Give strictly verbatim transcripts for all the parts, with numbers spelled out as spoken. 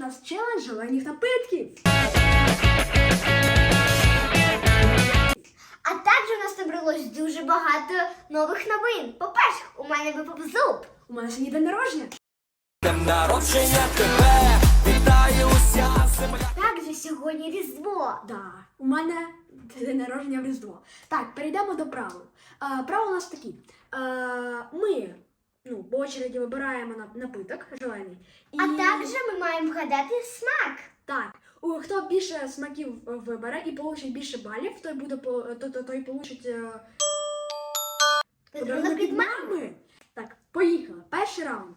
нас челендж зелених напитків. А також у нас набралось дуже багато нових новин. По-перше, у мене випав зуб. У мене сьогодні день народження. Днем народження тебе вітає уся земля. Також сьогодні Різдво. Да, у мене день народження в Різдво. Так, перейдемо до правил. А, правила у нас такі. А, ми, ну, по очереді вибираємо на- напиток зелений. І... А також ми маємо вгадати смак. Так, у, хто більше смаків е, вибере і получить більше балів, той буде по- то, то, той получить е, Подарунок від мами. мами. Так, поїхали. Перший раунд.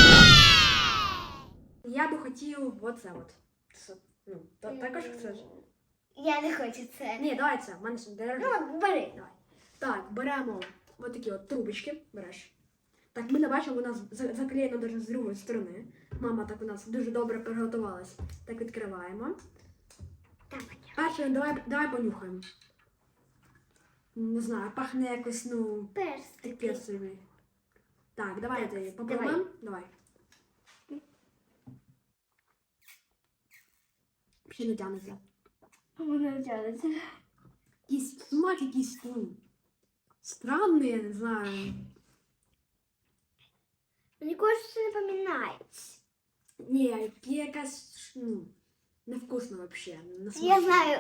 Я би хотів оце от. Це, ну, та- також це ж. Я не хочу це. Ні, давай це, в мене сьогодні день народження. Ну, бери. Давай. Так, беремо от такі от трубочки. Береш. Так, ми не бачимо, вона за- заклеєна даже з другої сторони. Мама так у нас дуже добре приготувалась. Так, відкриваємо. Давай. Перше, давай, давай понюхаємо. Не знаю, пахне якось, ну, Перстик. перцевий. Так, давайте Так, попробуємо. Давай. Ще не тягнеться. Воно тягнеться. Якийсь смак якийсь, ну, странний, я не знаю. Мені кажется, це не пам'ятається. Ні, якась, ну, невкусно вообще. Не Я смачно. знаю.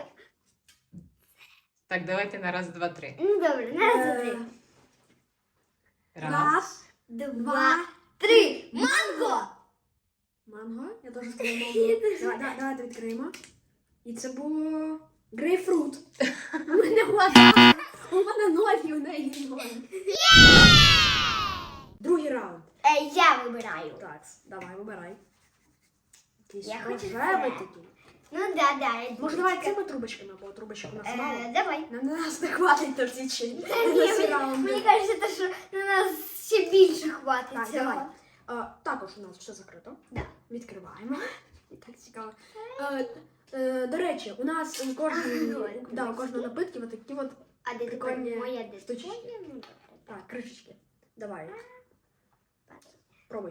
Так, давайте на раз, два, три. Ну, добре, на раз, два, три. Е, Раз. Раз, Два, три. Манго! манго. Я теж сказала манго. Давай, давай, давайте відкриємо. І це було грейпфрут. У мене глаза. У мене ноги, у неї ноги. Другий раунд. Е, я вибираю. Так, давай, вибирай. Якийсь Я хочу рожевий це. такий. Ну, да, да. я Може, думаю, давай це- цими трубочками, бо трубочок у нас Е, мало. Давай. На нас не хватить на всі чи. Та на ні, всі мені, раунди. мені кажеться, що на нас ще більше хватить Так, цього. давай. А, також у нас все закрито. Да. Відкриваємо. І так цікаво. Е, е, до речі, у нас у кожної, Ой, да, у кожної напитки от такі от А де тепер прикольні моя де штучки. твоя? Ну, добре. так, кришечки. Давай. Пробуй.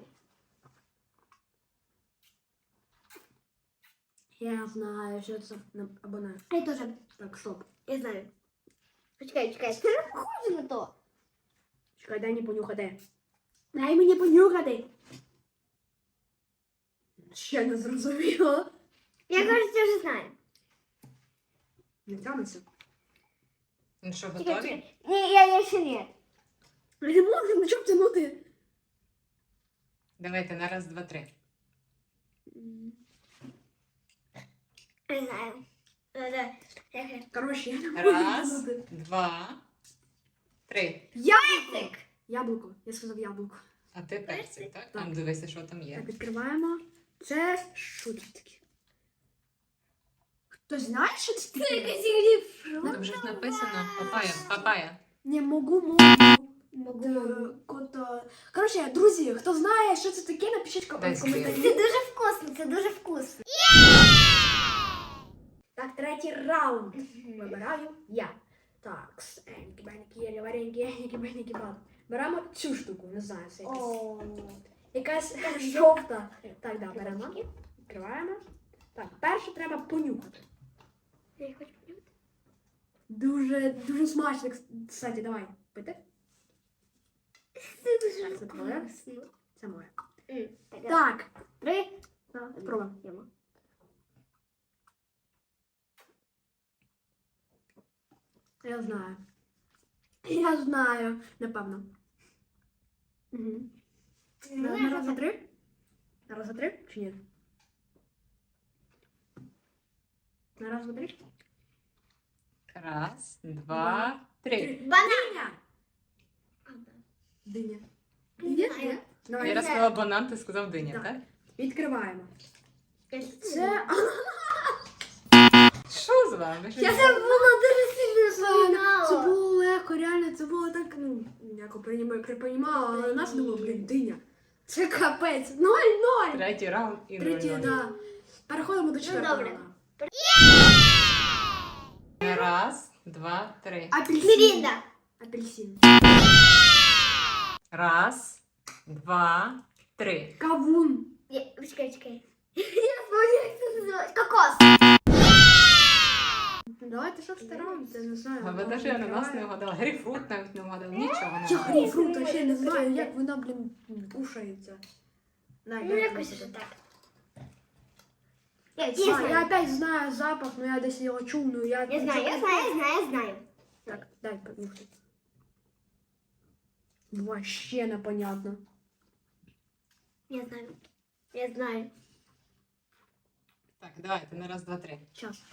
Я знаю, що це на- або не. Я теж. Так, стоп. Я знаю. Почекай, чекай. Це ж похоже на то. Чекай, дай мені понюхати. Дай мені понюхати. Ще не зрозуміло. Я кажу, я вже знаю. Не тягнеться. Ну що, Чекай, готові? чекай. Ні, я, я ще ні. Я не можу нічого тягнути. Давайте на раз, два, три. Не знаю. Е, да. Я- Коротше, я не можу Раз, тягнути. два, три. Яблуко! Яблуко. Я сказав яблуко. А ти персик, так? Так. Там дивися, що там Так, є. відкриваємо. Це що це таке? Хтось знає, що це таке? Там вже ж написано папая, папая. Не можу, можу. Могу, Д- могу. кото- Коротше, друзі, хто знає, що це таке, напишіть ко- Дай в коментарі. Це дуже вкусно, це дуже вкусно. Так, третій раунд. Вибираю я. Так, енькі, бенькі, єлі, варенькі, енькі, бенькі, бад. Беремо цю штуку, не знаю, це якась. О. Якась жовта. Так, да, беремо. Відкриваємо. Так, перше треба понюхати. Я хочу понюхати. Дуже, дуже смачно, кстати, давай. Пити? Це дуже Так, це твоє? вкусно. Це моє. М, Так, Так, три. спробуємо. Йому. Я знаю. Я знаю, напевно. Угу. На, на раз, два, три? На раз, два, три? Чи ні? На раз, два, три? Раз, два, три. Банан. Диня! Диня. Не Диня? знаю. Давай. Я сказала банан, ти сказав диня, Так. так? Відкриваємо. Це... Це... Що з вами? Що Я з- це було дуже сильно Це запам'ятала. було легко, реально, це було так, ну, як припонімала, але нас думало, блін, диня. Це капець. Ноль-ноль. Третій раунд і Третій, нуль-нуль. да. Переходимо до четвертого. добре. раунду. На раз, два, три. Апельсин. Мірінда. Апельсин. Раз, два, три. Кавун. Я- Чекай, чекай. Я знаю, як це називається. Кокос. Давайте що стараємося, не знаю. А ви навіть ананас не вгадали. Грейпфрут навіть не вгадали. Нічого не Я вгадали. грейпфрут вообще не знаю, як вона, блін, кушається. На, Ну, я якось тобі вже покажу. так. Я, я, А, я знаю. опять знаю запах, но я десь його чув, ну я... Я знаю, я знаю, я знаю, я знаю. Так, дай понюхай. Вообще непонятно. Я знаю. Я знаю. Так, давайте на раз, два, три. Сейчас.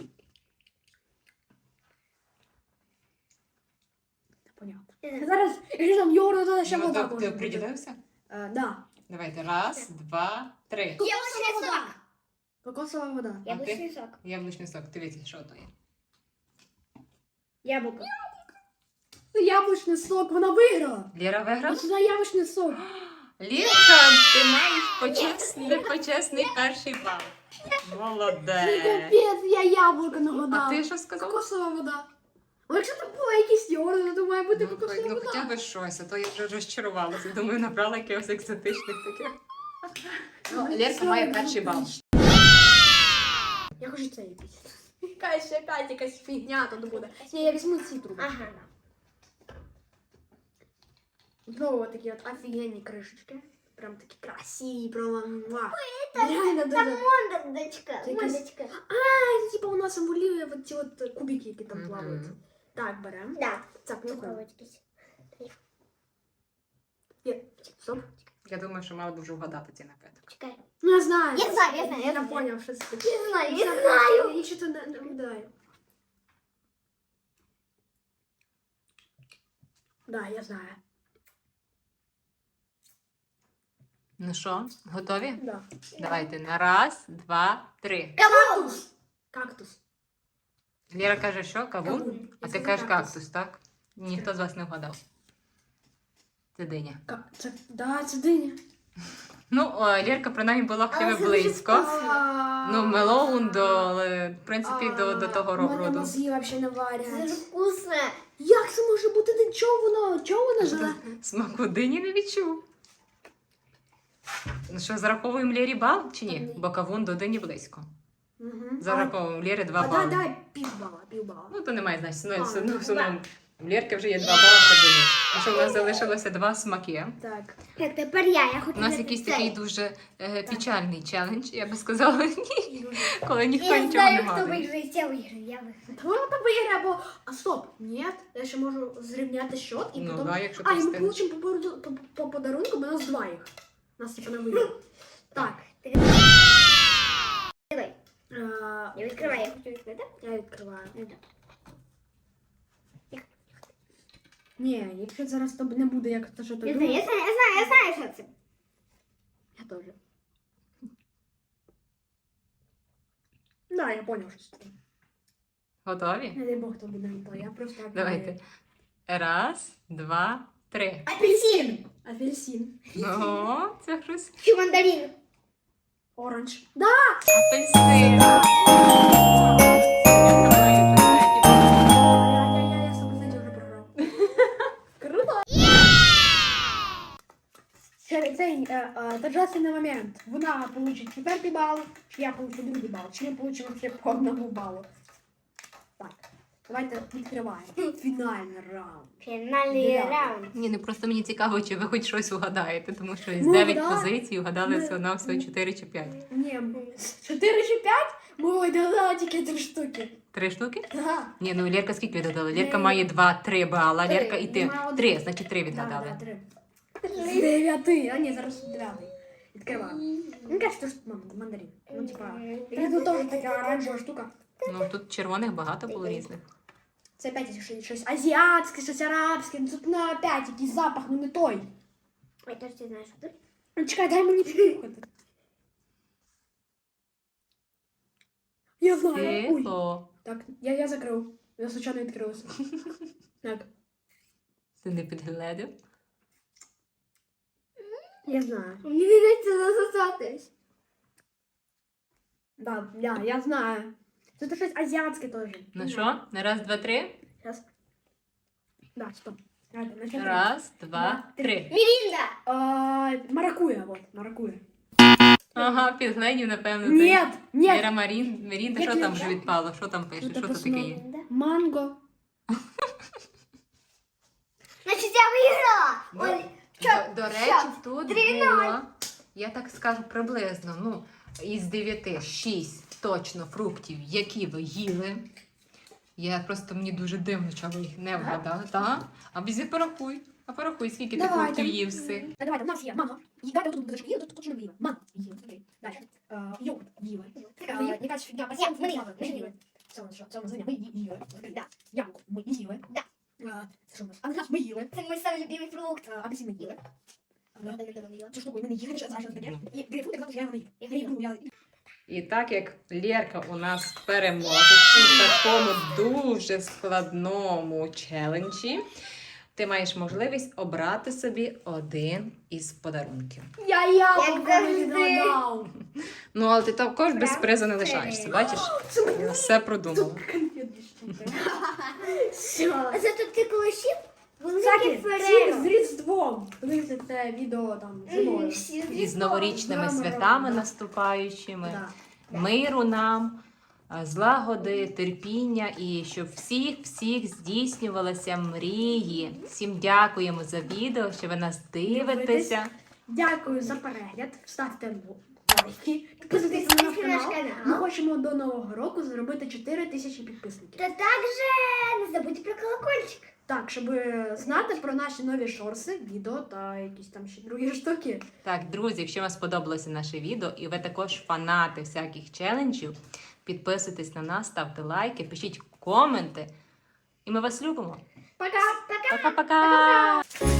Непонятно. Я знаю. Зараз, якщо там йогурт, то ще Ну, вода так, може ти бути. определився? Е, да. Давайте раз, два, три. Яблучний сок. Кокосова вода. Яблучний сок. Яблучний сок. Дивіться, що то є. Яблуко. Яблучний сок, вона виграла. Лєра виграла? Ось сюди яблучний сок. Лєрка, ти маєш почесний, почесний перший бал. Ну, Молодець. капець, я яблуко нагадала. А ти що сказала? Кокосова вода. Ну, якщо там була якийсь йогурт, то має бути Ну, кокосова ну вода. хоча б щось, а то я вже розчарувалася. Думаю, набрала якихось екзотичних таких. Ну, Лєрка має перший бал. Я хочу це якийсь. Якась опять якась фігня тут буде. Ні, я візьму ці трубки. Ага. Знову такі от офігенні кришечки. Прям такі красиві, прямо. муа. Реально Там дуже. мондочка. Це якась- Мондочка. А, це типа у нас символює от ці от кубики, які там Мгм. плавають. Так, беремо. Да. Так, ну Цукровочки. Є. Стоп. Я думаю, що мала б вже вгадати ці напиток. Чекай. Ну, я знаю. Я знаю, я знаю, я Я знаю. поняв, що це таке. Я знаю, я знаю. Я ще то не не вгадаю. Да, я знаю. Ну що, готові? Да. Давайте на раз, два, три. Кактус. Кактус. Лєра каже, що? Кавун? Кавун. А Я ти сказала кажеш кактус. кактус, так? Ніхто з вас не вгадав. Це диня. Ка- Це, да, це диня. Ну, о, Лєрка принаймні була хоча Але б це дуже близько. А, Ну, мелоун до, е, в принципі, до, до того У мене роду. мозги взагалі не Це варять. дуже вкусне. Як це може бути? Ти чого воно? Чого воно живе? Смаку дині не відчув. Ну що, зараховуємо Лєрі бал чи ні? Ні. Бо кавун до дині близько. Угу. Зараховуємо Лєрі два А, да, бали. дай півбала, півбала. Ну, то немає значення. Ну, А, все одно, ну, все одно. В Лєрки вже є два бали ще дині. А що в нас залишилося два смаки. Так. Так, тепер я. Я хочу У нас взяти якийсь цей. такий дуже е, печальний челендж, я би сказала, ні, коли ніхто Я нічого не знаю, хто гадає. виграє. Я виграю, я виграю. Вона там виграє, або... А стоп, ні, я ще можу зрівняти счет і Ну, потім... да, якщо А, ти і ми встигнеш. получимо по, подару- по, по подарунку, бо нас два їх. Нас типа не вийде. Так. Давай, Е, я відкриваю, я хочу відкрити. Я відкриваю. Ну, так. Ні, якщо зараз то не буде, як то що то Я знаю, я знаю, я знаю, я знаю, що це. Я теж. Да, я поняв, що це таке. Готові? Не дай Бог, то буде не то. Я просто... так Давайте. знаю. Раз, два, три. Апельсин. Апельсин. Ну, це щось. Чи мандарин. Оранж. Да! Апельсин. Я, я, я, я сто процентів вже програв. Круто! Це, цей е, е, торжественний момент. Вона получить четвертий бал, чи я получу другий бал, чи ми получимо всі по одному балу. Так, давайте відкриваємо. Фінальний раунд. Фінальний Дев'ятий. раунд. Ні, ну просто мені цікаво, чи ви хоч щось угадаєте, тому що з Ну, дев'ять да. позицій угадали Ми- всього на всього чотири чи п'ять. Ні, чотири чи п'ять? Ми видали тільки три штуки. Три штуки? Да. Ні, ну Лєрка скільки відгадала? Лєрка Три. має два-три бала, Три. Лєрка і ти. Маю один. Три, значить три Да, відгадали. да, три. З дев'яти. А ні, зараз дев'ятий. Відкриваємо. Ну, кажуть, що мам, мандарин. Ну, типа, і тут теж така оранжева штука. Ну тут червоних багато було різних. Це опять щось, щось азіатське, щось арабське. Ну, тут ну, опять якийсь запах, ну не той. Ой, тож ти знаєш, що тут? Ну, чекай, дай мені підслухати. Я знаю. Ой. Тихо. Так, я, я закрив. Я случайно відкрилася. Так, Ти не підгледив? я знаю. Мені вдається засосатись. Да, я, я знаю. Це щось азіатське теж. Ну що? На раз, два, три? Зараз. Да, стоп. Давайте, начнемо. Раз, два, три. Мірінда. А, маракуя, вот, маракуя. А, Ага, підгледів, напевно. ти. Нет, нет. Віра Марін, Мірінда, Як що я там вже знаю. відпало? Що там пише? Ну, Що типу, це таке є? Да. Манго. Значить, я виграла. До, Ой, до, до речі, щас, тут три було, я так скажу приблизно, ну, із дев'яти, шість точно фруктів, які ви їли. Я просто, мені дуже дивно, що ви їх не вгадали, так? А візі порахуй. А порахуй, скільки ти Давайте. фруктів їв всіх. Та давайте, у нас є манго. І давайте тут будеш їли, тут точно не їли. Манго їли. Окей. Далі. Е, Йогурт їли. Е, Якась фігня, Я- в мене ми є. їли. Це у нас що? Це у нас ми ї- їли. Да. Яблуко ми їли. Да. Е, Це що у нас? Ананас ми їли. Це мій самий любимий фрукт. Е, Апельсин ми їли. Я давно не їла. Цю штуку ми не їли, що це таке. Ну. І грейпфрут, я знаю, що я його не їв. Я їв, ну, я- І так як Лєрка у нас переможець у такому дуже складному челенджі, ти маєш можливість обрати собі один із подарунків. Я яблуко Як не завжди. відгадав. Ну, але ти також без Прям призу не лишаєшся, бачиш? Я все продумала. Конфетні штуки. А зато ти колишів великий Кстати, всім з Ферреро. Різдвом. Дивіться це відео там зимою. Всі І з новорічними З святами да. наступаючими. Да. Миру нам, а, злагоди, терпіння і щоб всіх-всіх здійснювалися мрії. Всім дякуємо за відео, що ви нас дивитеся. Дякую за перегляд. Ставте лайки. Підписуйтесь на наш Підписуйтесь на наш канал. канал. Ми хочемо до нового року зробити чотири тисячі підписників. Та також не забудьте про колокольчик. Так, щоб знати про наші нові шорси, відео та якісь там ще другі штуки. Так, друзі, якщо вам сподобалося наше відео і ви також фанати всяких челенджів, підписуйтесь на нас, ставте лайки, пишіть коменти. І ми вас любимо. Пока! Пока! Пока-пока!